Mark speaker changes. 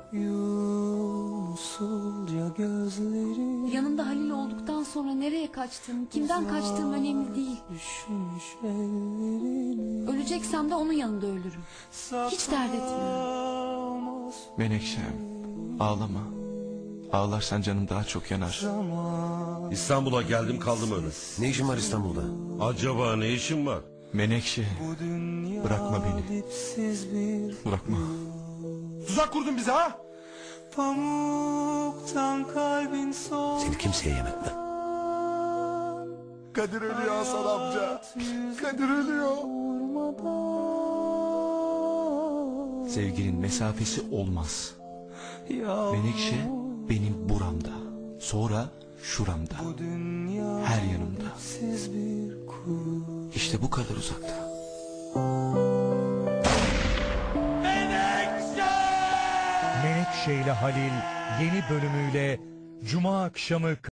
Speaker 1: Usulca gözlerim.
Speaker 2: Yanımda Halil olduktan sonra nereye kaçtığım, kimden kaçtığım önemli değil. Öleceksem de onun yanında ölürüm. Hiç dert etmiyorum.
Speaker 3: Menekşem, ağlama. Ağlarsan canım daha çok yanar.
Speaker 4: İstanbul'a geldim kaldım öyle.
Speaker 5: Ne işin var İstanbul'da?
Speaker 4: Acaba ne işin var?
Speaker 3: Menekşe, bırakma beni. Bırakma.
Speaker 5: Tuzak kurdun bize ha?
Speaker 1: Pamuktan kalbin soğuk.
Speaker 5: Seni kimseye yem etmem. Kadir ölüyor Hasan amca. Kadir ölüyor.
Speaker 3: Sevginin mesafesi olmaz. Menekşe benim buramda. Sonra şuramda. Her yanımda. İşte bu kadar uzakta.
Speaker 6: Menekşe ile Halil yeni bölümüyle Cuma akşamı